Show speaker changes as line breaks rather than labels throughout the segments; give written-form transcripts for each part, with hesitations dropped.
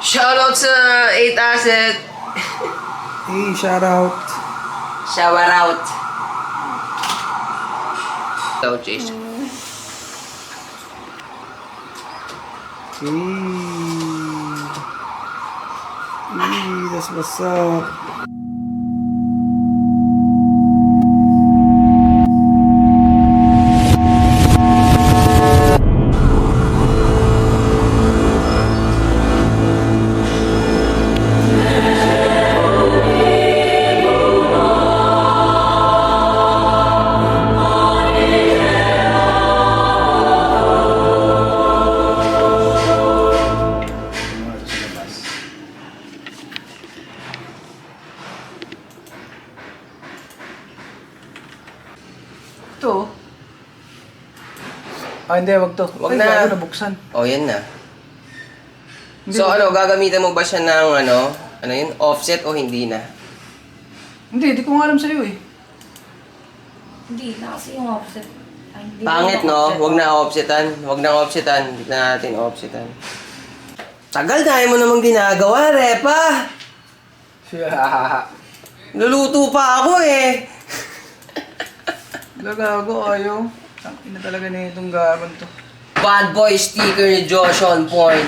Shoutout sa 8 Asset.
Hey, shout out.
Shower out. Shout Chase.
Hey. Hey, that's what's up. Ito. Hindi, wag to.
Wag
Ay,
na.
bago nabuksan.
Oh, yan na.
Hindi,
So
wag-
ano, gagamitan mo ba siya ng ano yun, offset o hindi na?
Hindi ko nga alam sa'yo eh.
Hindi na kasi yung offset. Ay, hindi
Pangit,
na
no?
offset.
Huwag na offsetan. Huwag na offsetan. Hindi na natin offsetan. Tagal na mo namang ginagawa, Repa. Luluto pa ako eh.
Gagago, ayaw. Tangina talaga na itong gaban to.
Bad boy sticker ni Josh on point.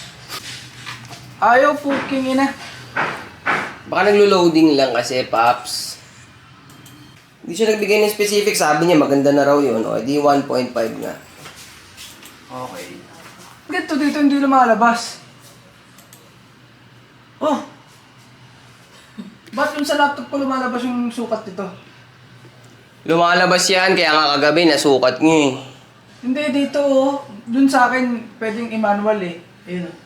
Ayaw, puking ina.
Baka naglo-loading lang kasi, Paps. Hindi siya nagbigay ng specific. Sabi niya, maganda na raw yun. O, di 1.5 nga.
Okay. Ganito dito hindi lumalabas. Oh! Ba't yung sa laptop ko lumalabas yung sukat nito?
Lumalabas yan, kaya nga kagabi nasukat niyo eh.
Hindi, dito oh. Dun sa akin, pwedeng i-manual eh. Ayun oh.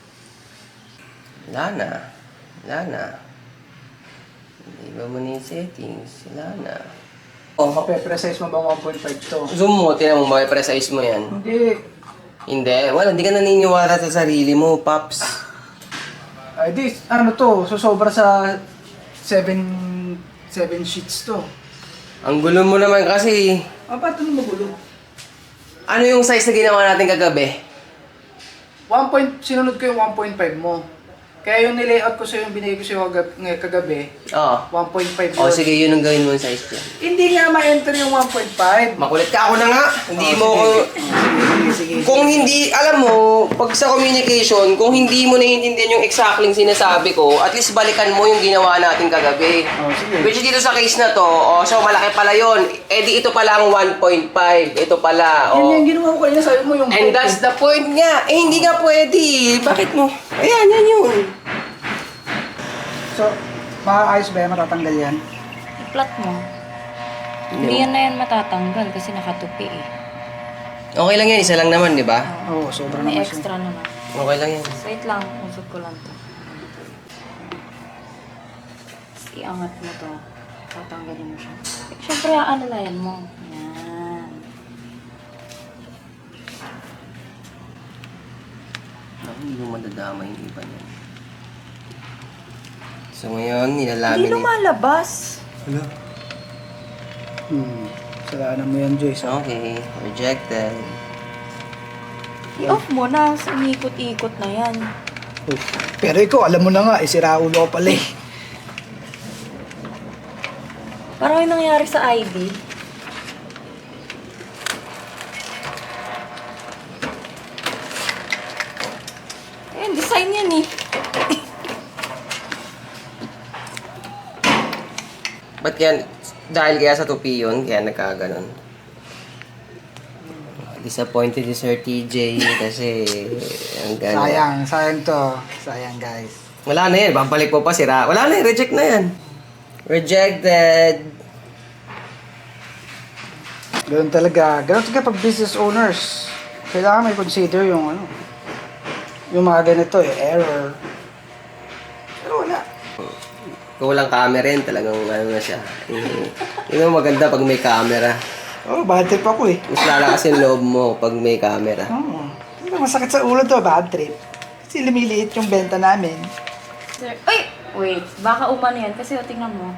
Wala na. Wala na. Iba mo na yung settings. Wala na. Oh,
Mape-precise mo ba 1.5 to?
zoom mo, tinan mo, precise mo yan.
Hindi.
Hindi, wala, hindi ka naniniwala sa sarili mo, Paps.
Ay, di, ano to, sobra sa 7 sheets to.
Ang gulo mo naman kasi.
Ba't ano magulo?
Ano yung size na ginawa natin kagabi?
Sinunod ko yung 1.5 mo. Kaya yung nilayout ko sa'yo, yung binigay ko sa'yo kagabi,
Oo.
1.5
O
yun.
sige, yun ang gawin mo yung size niya.
Hindi nga ma-enter yung 1.5.
Makulit ka, ako na nga. Hindi mo ko...
Sige.
Kung hindi, alam mo, pag sa communication, kung hindi mo naiintindihan yung exactly sinasabi ko, at least balikan mo yung ginawa natin kagabi.
Oh, sige.
Which dito sa case na to, so malaki pala yun. Eh di ito pala ang 1.5. Ito pala,
Yun yung ginawa ko kanina, sabi mo yung...
And that's the point nga. Eh hindi nga pwede. Bakit mo? Ayan, yan yun.
So, maayos ba yan? Matatanggal yan?
I-flat mo. Hindi yan na yan matatanggal kasi nakatupi eh.
Okay lang yan, isa lang naman, di ba?
Oo, sobra
May
naman siya.
extra naman.
Okay lang yan.
Wait lang, usap ko lang to. Tapos iangat mo to. Tatanggalin mo siya. Siyempre, aanalayan mo. Yan.
Hindi mo madadama yung iba niyan. So ngayon,
Hindi
nilalamin
lumalabas.
Hello? Salanan mo yan, Joyce.
Okay, rejected.
I-off mo na. Umikot-ikot na yan.
Pero ikaw, alam mo na nga, sira ulo ko pala eh.
Parang yung nangyari sa ID. Ayan, design yan eh.
Ba't yan? Dahil kaya sa tupi yun, kaya nagkaganon. Disappointed si Sir TJ kasi ang gano'n.
Sayang to. Sayang guys.
Wala na yan, babalik mo pa sira. Wala na yan, reject na yan. Rejected.
Ganun talaga pag business owners. Kailangan may consider yung ano. Yung mga ganito eh, error. Pero wala.
Kung walang camera rin, talagang ano na siya. Yun ang maganda pag may camera.
Oh, bad trip ako eh.
Mas lalakas yung loob mo pag may camera.
Oo. Masakit sa ulo to, bad trip. Kasi lumiliit yung benta namin.
Sir, ay! Wait, baka umano yan kasi tingnan mo.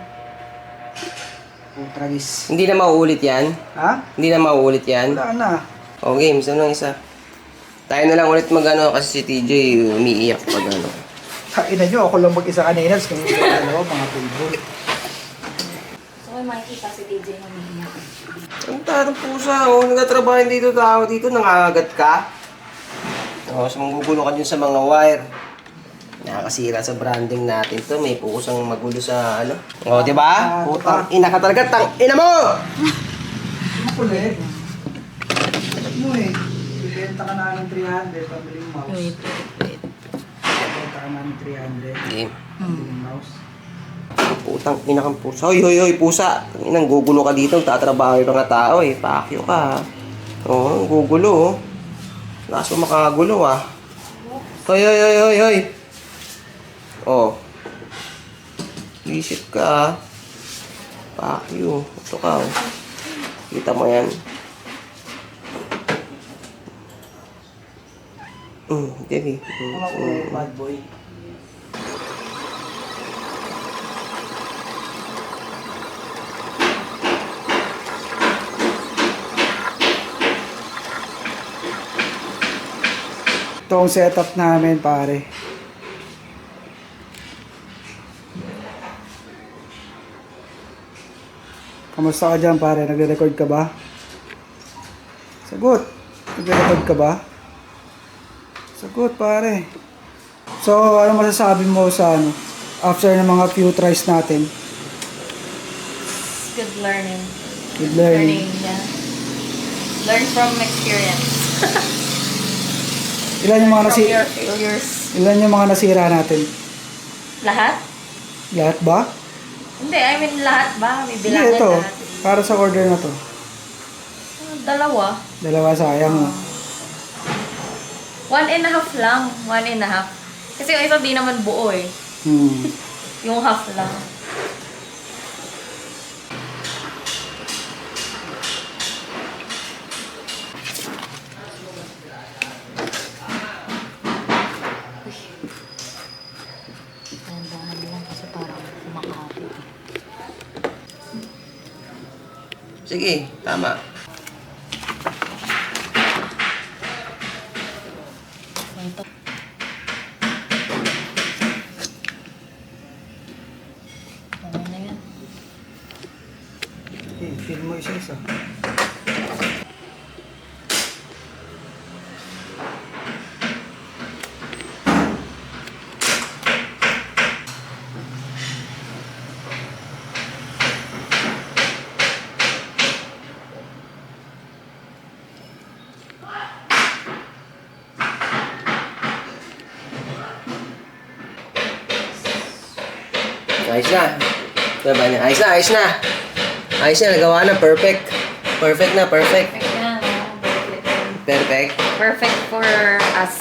Travis.
Hindi na mauulit yan.
Ha?
Hindi na mauulit yan.
Wala na.
O games, ano lang isa. Tayo na lang ulit mag-ano kasi si TJ umiiyak pag ano.
Kainan nyo, ako lang mag-isa kanina. Tapos kami sa dalawa, mga favorite.
So, may makikita si DJ na umiiyak.
Ang tatang pusa, oh. Nagtatrabaho dito tao dito, nangangagat ka. Oh, so manggugulo ka dyan sa mga wire. Nakakasira sa branding natin to. May pusang magulo sa ano. Oh, di ba? Putang ina ka talaga, tang ina mo!
Ang kulit. Ano eh, bibenta ka na ng 300, pabiling mouse.
Wait.
Bibenta ka na ng 300,
Game.
pabiling mouse.
Putang ina kang pusa. Hoy, pusa. Inang gugulo ka dito. Tatrabaho yung mga tao eh. Pakyo ka. Oo, gugulo oh. Lakas mo makagulo ah. Hoy. Oh. Isip ka ah. Pakyo. Ito ka oh. Kita mo yan. Devi.
Mga kulit, bad boy. Ito ang setup namin, pare. Kamusta ka dyan, pare? Nagre-record ka ba? Sagot. Nagre-record ka ba? Sagot, pare. So, ano masasabi mo sa ano? After ng mga few tries natin?
Good learning.
Good learning.
Yeah. Learn from experience.
Ilan yung mga
From your failures.
Ilan yung mga nasira natin?
Lahat?
Lahat ba?
Hindi, I mean lahat ba? May
Hindi,
bilangan
ito.
lahat.
Para sa order na to.
Dalawa.
Dalawa sayang.
1.5 lang. 1.5. Kasi yung isa di naman buo eh. Yung half lang. Dahan-dahan lang kasi parang kumakapit.
Sige, tama.
Ito. Okay na yan.
Okay, film mo isa-isa.
Ayos na. Diba niya? Ayos na. Nagawa na. Perfect. Perfect na, perfect.
Perfect na.
Perfect.
Perfect for us.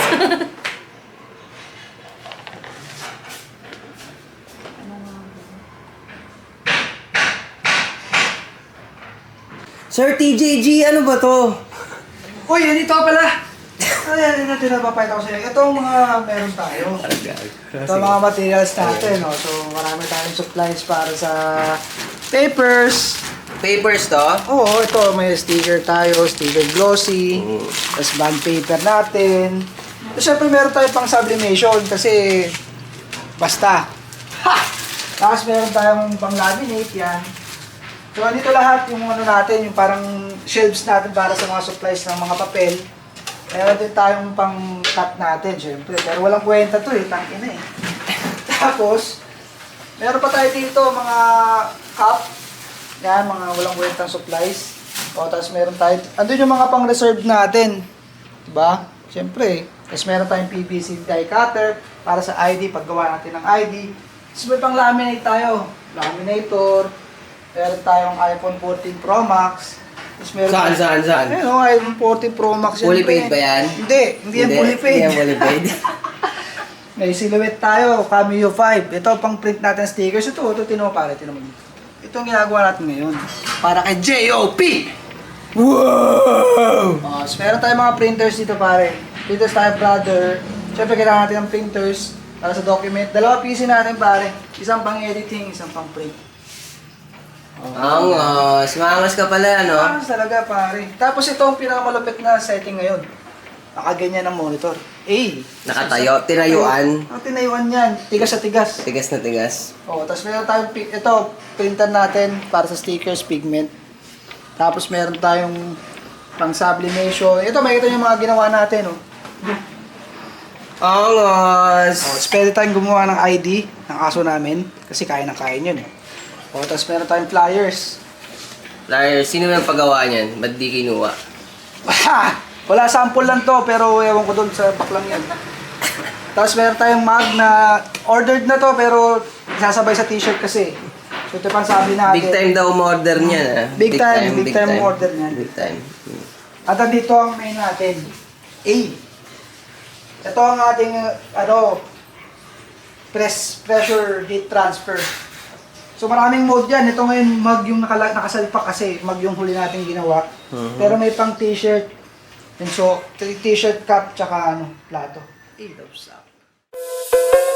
Sir TJG, ano ba to?
Uy, dito pala! Ay, ito napapayat ako sa inyo. Ito ang mga meron tayo. Ito ang mga materials natin. No? So, marami tayong supplies para sa papers.
Papers to?
Oo, ito may sticker tayo, sticker glossy. Tapos bond paper natin. Tapos syempre meron tayo pang sublimation kasi basta. Ha! Tapos meron tayong pang laminate yan. So, dito lahat yung ano natin, yung parang shelves natin para sa mga supplies ng mga papel. Meron din tayong pang cut natin, syempre. Pero walang kwenta to eh, tangina eh. Tapos, meron pa tayo dito mga cup. Yan, mga walang kwentang supplies. O, tapos meron tayo, andun yung mga pang-reserve natin. Diba? Syempre. Tapos meron tayong PVC die cutter para sa ID, paggawa natin ng ID. Tapos may pang-laminate tayo. Laminator. Meron tayong iPhone 14 Pro Max. Tapos meron
Saan?
Ayun, iPhone 14 Pro Max.
Fully
syempre.
paid ba yan?
Hindi yan fully paid.
Hindi yan fully paid.
May silhouette tayo, Cameo 5. Ito pang print natin stickers. Ito tino pare, tino mo dito. Ito ang ginagawa natin ngayon. Para kay JOP! Wow! So meron tayong mga printers dito pare. Printers tayo brother. Siyempre kailangan natin ng printers para sa document. Dalawa PC natin pare. Isang pang editing, isang pang print.
Angas ka pala, no?
Talaga pare. Tapos ito ang pinakamalupit na setting ngayon. Nakaganyan ang monitor. A.
Nakatayo, tinayuan.
Ang tinayuan yan. Tigas sa tigas.
Tigas na tigas.
Oh, tapos meron tayong ito, printer natin para sa stickers, pigment. Tapos meron tayong pang sublimation. Ito, makikita niyo yung mga ginawa natin, oh.
Angas!
Oh, tapos pwede tayong gumawa ng ID ng aso namin kasi kaya ng kain yun, eh. Oh, tapos meron tayong flyers.
Liar, sino yung paggawa niyan? Ba't di kinuha?
Wala, sample lang to, pero ewan ko doon sa paklang yan. Tapos meron tayong mug na ordered na to, pero sasabay sa t-shirt kasi. So ito pang sabi natin.
Big time daw umorder niyan, ah.
Big time order niyan.
Big time.
At dito ang main natin. A. Ito ang ating, pressure heat transfer. So maraming mode yan. Ito ngayon mug yung nakasalpak kasi mug yung huli natin ginawa. Pero may pang t-shirt. And so, t-shirt cap tsaka plato. A loves up.